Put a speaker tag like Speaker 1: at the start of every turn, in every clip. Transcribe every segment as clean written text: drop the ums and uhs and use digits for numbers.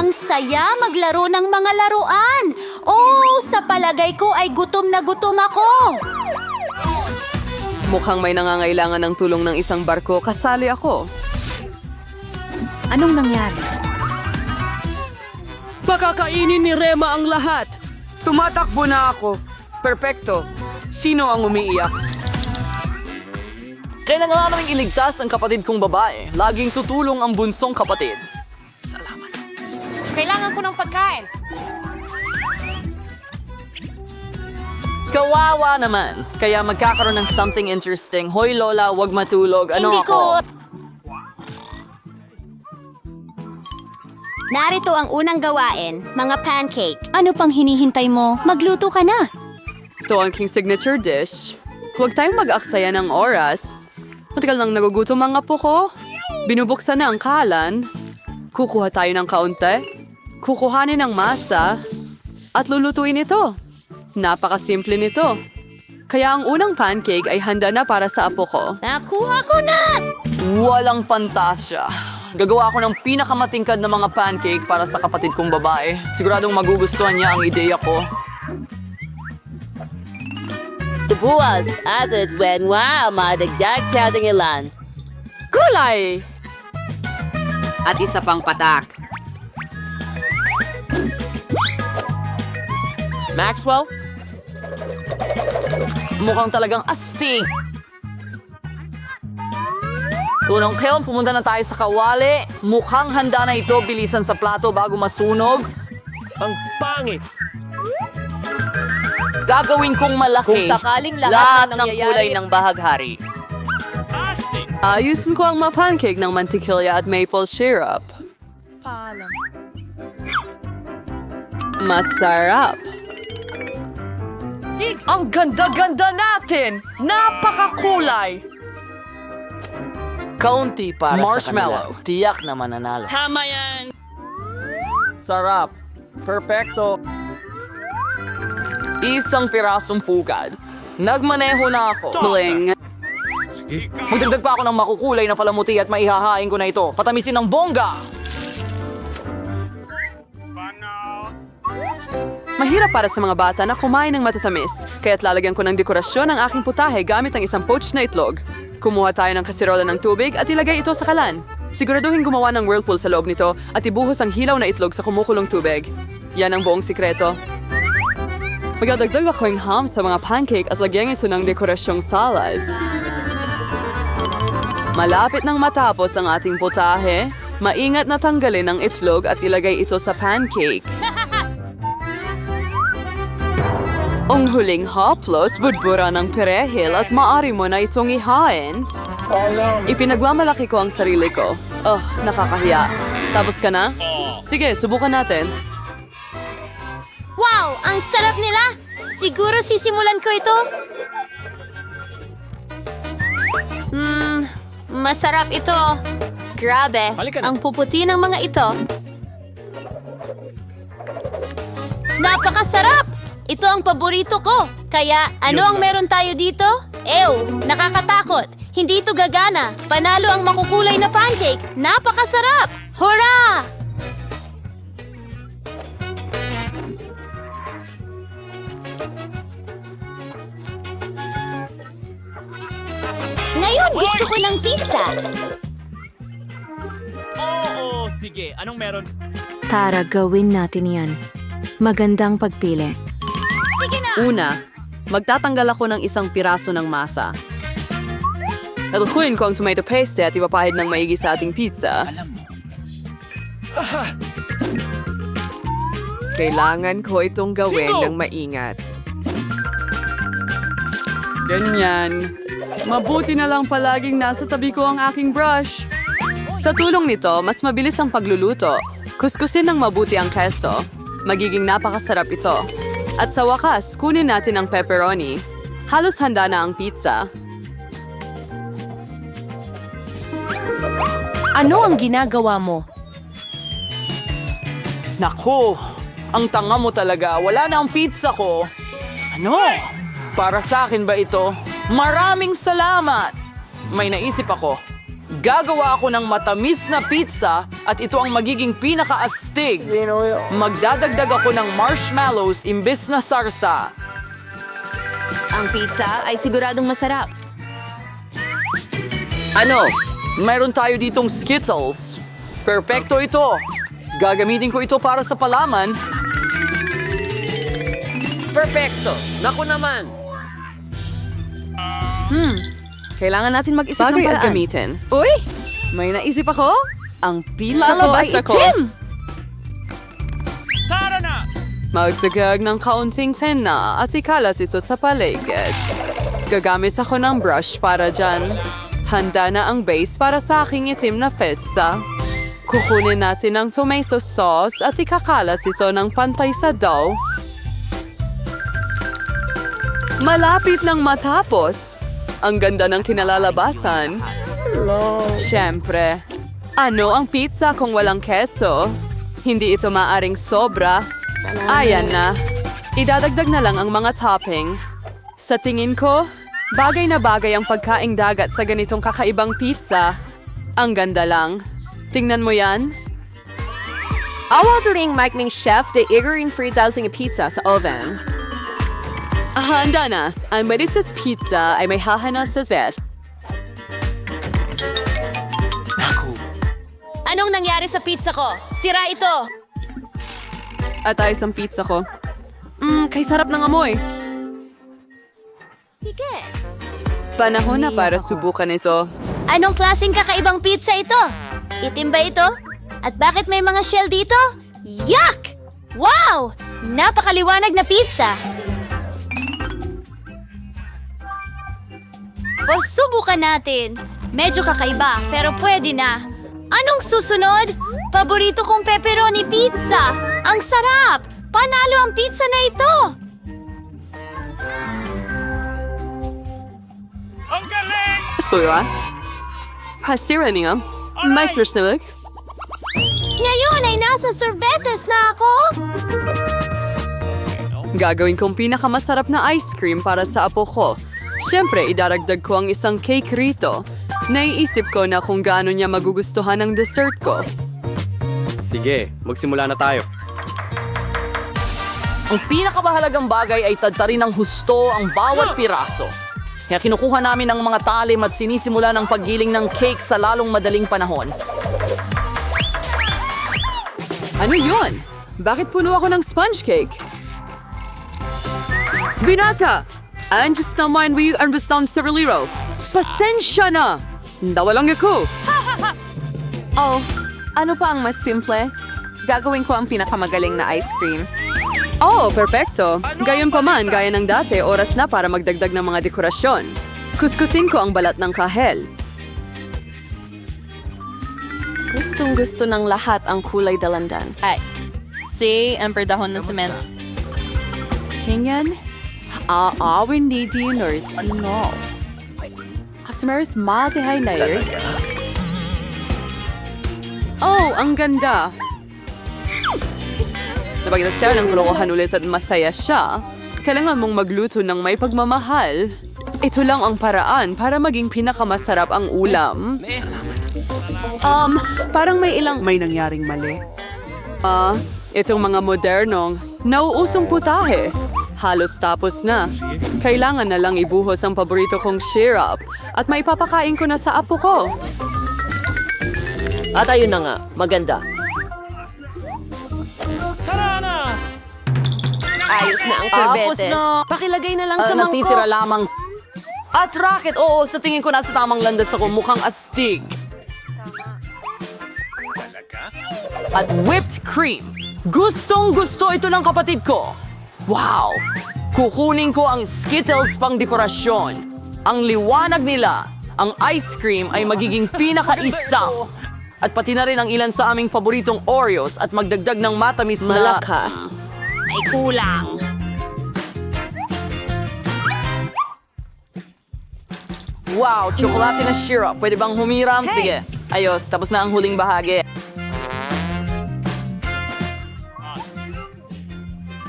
Speaker 1: Ang saya maglaro ng mga laruan. Oh, sa palagay ko ay gutom na gutom ako.
Speaker 2: Mukhang may nangangailangan ng tulong ng isang barko. Kasali ako.
Speaker 1: Anong nangyari?
Speaker 2: Pakakainin ni Rema ang lahat.
Speaker 3: Tumatakbo na ako. Perpekto. Sino ang umiiyak?
Speaker 2: Kailangan naming iligtas ang kapatid kong babae. Laging tutulong ang bunsong kapatid.
Speaker 1: Kailangan ko ng pagkain.
Speaker 2: Kawawa naman. Kaya magkakaroon ng something interesting. Hoy Lola, wag matulog. Ano
Speaker 1: Hindi
Speaker 2: ako?
Speaker 1: ko... Narito ang unang gawain, mga pancake. Ano pang hinihintay mo? Magluto ka na.
Speaker 2: Ito ang king signature dish. Huwag tayong mag-aksaya ng oras. Matagal nang nagugutom ang apo ko. Binubuksan na ang kalan. Kukuha tayo ng kaunti. Kukuhanin ang masa. At lulutuin ito. Napakasimple nito. Kaya ang unang pancake ay handa na para sa apo ko.
Speaker 1: Nakuha ko na!
Speaker 2: Walang pantasya. Gagawa ako ng pinakamatingkad na mga pancake para sa kapatid kong babae. Siguradong magugustuhan niya ang ideya ko.
Speaker 4: Buwas at wow, madagdag tiyadang ilan.
Speaker 2: Kulay!
Speaker 5: At isa pang patak.
Speaker 2: Maxwell? Mukhang talagang astig. Tunong Keon, pumunta na tayo sa kawali. Mukhang handa na ito, bilisan sa plato bago masunog.
Speaker 6: Ang pangit!
Speaker 2: Gagawin kong malaki.
Speaker 5: Kung sakaling lahat
Speaker 2: Lahat
Speaker 5: ng
Speaker 2: ng kulay
Speaker 5: nangyayari-
Speaker 2: ng bahaghari.
Speaker 6: Astig!
Speaker 2: Ayusin ko ang mga pancake ng mantikilya at maple syrup. Masarap.
Speaker 3: Ang ganda-ganda natin! Napakakulay!
Speaker 7: Kaunti para
Speaker 2: Marshmallow.
Speaker 7: sa kanila. Tiyak na mananalo.
Speaker 6: Tama yan!
Speaker 7: Sarap. Perfecto.
Speaker 2: Isang pirasong pugad. Nagmaneho na ako. Bling.
Speaker 7: Magdagdag pa ako ng makukulay na palamuti at maihahain ko na ito. Patamisin ng bongga!
Speaker 2: Mahirap para sa mga bata na kumain ng matatamis, kaya't lalagyan ko ng dekorasyon ang aking putahe gamit ang isang poached na itlog. Kumuha tayo ng kasirola ng tubig at ilagay ito sa kalan. Siguraduhin gumawa ng whirlpool sa loob nito at ibuhos ang hilaw na itlog sa kumukulong tubig. Yan ang buong sikreto. Magdadagdag ako ng ham sa mga pancake at lagyan ito ng dekorasyong salad. Malapit nang matapos ang ating putahe, maingat na tanggalin ang itlog at ilagay ito sa pancake. Ang huling haplos, budbura ng perehil at maaari mo na itong ihain. Ipinagmamalaki ko ang sarili ko. Nakakahiya. Tapos ka na? Sige, subukan natin.
Speaker 1: Wow! Ang sarap nila! Siguro sisimulan ko ito. Masarap ito. Grabe,
Speaker 6: Halika na.
Speaker 1: ang puputi ng mga ito. Napakasarap! Ito ang paborito ko. Kaya ano ang meron tayo dito? Ew, nakakatakot. Hindi ito gagana. Panalo ang makukulay na pancake. Napakasarap! Hurra! Ngayon gusto ko ng pizza.
Speaker 6: Oo, sige. Anong meron?
Speaker 8: Tara, gawin natin yan. Magandang pagpili.
Speaker 2: Una, magtatanggal ako ng isang piraso ng masa. Talukuin ko ang tomato paste at ipapahid ng maigi sa ating pizza. Kailangan ko itong gawin
Speaker 6: Singo!
Speaker 2: ng maingat. Ganyan. Mabuti na lang palaging nasa tabi ko ang aking brush. Sa tulong nito, mas mabilis ang pagluluto. Kuskusin ng mabuti ang keso. Magiging napakasarap ito. At sa wakas, kunin natin ang pepperoni. Halos handa na ang pizza.
Speaker 8: Ano ang ginagawa mo?
Speaker 7: Naku! Ang tanga mo talaga. Wala na ang pizza ko. Ano? Para sa akin ba ito? Maraming salamat! May naisip ako. Gagawa ako ng matamis na pizza at ito ang magiging pinakaastig. Magdadagdag ako ng marshmallows imbes na sarsa.
Speaker 8: Ang pizza ay siguradong masarap.
Speaker 7: Ano? Mayroon tayo ditong Skittles. Perpekto ito. Gagamitin ko ito para sa palaman.
Speaker 3: Perfecto. Naku naman.
Speaker 2: Kailangan natin mag-isip ng
Speaker 8: Bagay at
Speaker 2: paraan.
Speaker 8: gamitin.
Speaker 2: Uy! May naisip ako. Ang pizza ko
Speaker 8: Lalabas
Speaker 2: ay
Speaker 8: ako.
Speaker 2: itim.
Speaker 6: Tara na!
Speaker 2: Magtagag ng kaunting sena at ikalat ito sa paligid. Gagamit ako ng brush para dyan. Handa na ang base para sa aking itim na pizza. Kukunin natin ang tomato sauce at ikakalat ito ng pantay sa dough. Malapit nang matapos. Ang ganda ng kinalalabasan. Siyempre, ano ang pizza kung walang keso? Hindi ito maaring sobra. Ayan na. Idadagdag na lang ang mga topping. Sa tingin ko, bagay na bagay ang pagkaing dagat sa ganitong kakaibang pizza. Ang ganda lang. Tingnan mo yan.
Speaker 9: Awarduring Mike Chef de Igorin Friedelsing pizza sa oven.
Speaker 2: Handa na. Ang Melissa's Pizza ay may hahana sa best.
Speaker 1: Anong nangyari sa pizza ko? Sira ito!
Speaker 2: At ayos ang pizza ko. Kay sarap ng amoy.
Speaker 1: Sige.
Speaker 2: Panahon na para subukan ito.
Speaker 1: Anong klaseng kakaibang pizza ito? Itim ba ito? At bakit may mga shell dito? Yuck! Wow! Napakaliwanag na pizza! Pasubukan natin. Medyo kakaiba, pero pwede na. Anong susunod? Paborito kong pepperoni pizza! Ang sarap! Panalo ang pizza na ito!
Speaker 6: Ang galing!
Speaker 2: Fura? Pasira niya. Meister Silik.
Speaker 1: Ngayon ay nasa sorbetes na ako!
Speaker 2: Gagawin kong pinakamasarap na ice cream para sa apo ko. Siyempre, idaragdag ko ang isang cake rito. Naiisip ko na kung gaano niya magugustuhan ang dessert ko.
Speaker 6: Sige, magsimula na tayo.
Speaker 7: Ang pinakamahalagang bagay ay tadtarin ng husto ang bawat piraso. Kaya kinukuha namin ang mga talim at sinisimula ng paggiling ng cake sa lalong madaling panahon.
Speaker 2: Ano yun? Bakit puno ako ng sponge cake? Binata! Andiyan naman we ang basang seraliro. Pasensya na! Nawalang ako!
Speaker 9: Oh, ano pa ang mas simple? Gagawin ko ang pinakamagaling na ice cream.
Speaker 2: Oh, perfecto. Gayon pa man, gaya ng dati, oras na para magdagdag ng mga dekorasyon. Kuskusin ko ang balat ng kahel.
Speaker 8: Gustong-gusto ng lahat ang kulay dalandan.
Speaker 4: ang perdahon ng cement.
Speaker 2: Tingnan, aawin ni dinner sino. Customers, matihay na yun. Oh, ang ganda. Napagkita siya ng kalokohan ulit at masaya siya. Kailangan mong magluto ng may pagmamahal. Ito lang ang paraan para maging pinakamasarap ang ulam. Parang may ilang...
Speaker 3: May nangyaring mali.
Speaker 2: Itong mga modernong, nauusong putahe. Halos tapos na. Kailangan na lang ibuhos ang paborito kong syrup at maipapakain ko na sa apo ko.
Speaker 4: At ayun na nga, maganda.
Speaker 6: Tara na!
Speaker 9: Ayos na ang sorbetes. Pakilagay na lang sa mangkok.
Speaker 7: Natitira lamang. At racket, oo, sa tingin ko nasa tamang landas ako, mukhang astig. At whipped cream. Gustong gusto ito ng kapatid ko. Wow! Kukunin ko ang Skittles pang dekorasyon. Ang liwanag nila, ang ice cream ay magiging pinaka-isaw. At pati na rin ang ilan sa aming paboritong Oreos at magdagdag ng matamis na...
Speaker 4: Malakas.
Speaker 1: Ay kulang.
Speaker 7: Wow, tsokolate na syrup. Pwede bang humiram? Sige. Ayos, tapos na ang huling bahagi.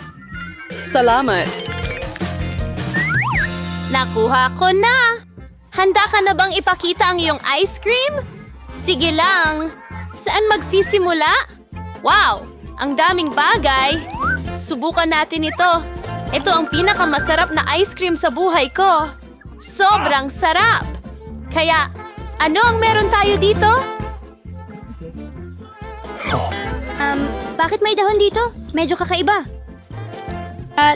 Speaker 2: Salamat.
Speaker 1: Nakuha ko na! Handa ka na bang ipakita ang iyong ice cream? Sige lang. Saan magsisimula? Wow! Ang daming bagay. Subukan natin ito. Ito ang pinakamasarap na ice cream sa buhay ko. Sobrang sarap. Kaya, ano ang meron tayo dito?
Speaker 8: Bakit may dahon dito? Medyo kakaiba. At...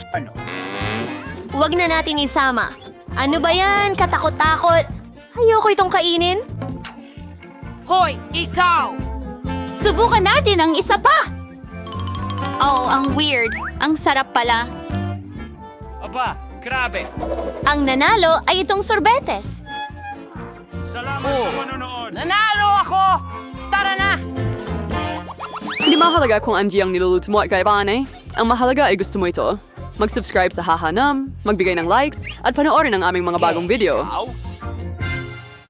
Speaker 1: Huwag na natin isama. Ano ba yan? Katakot-takot. Ayoko itong kainin.
Speaker 3: Hoy, ikaw!
Speaker 1: Subukan natin ang isa pa. Oh, ang weird. Ang sarap pala.
Speaker 6: Aba, grabe.
Speaker 1: Ang nanalo ay itong sorbetes.
Speaker 6: Salamat sa panonood.
Speaker 3: Nanalo ako! Tara na!
Speaker 2: Hindi mahalaga kung Angie ang niluluto mo at kaibahan eh. Ang mahalaga ay gusto mo ito. Mag-subscribe sa Hahanam, magbigay ng likes, at panoorin ang aming mga bagong video.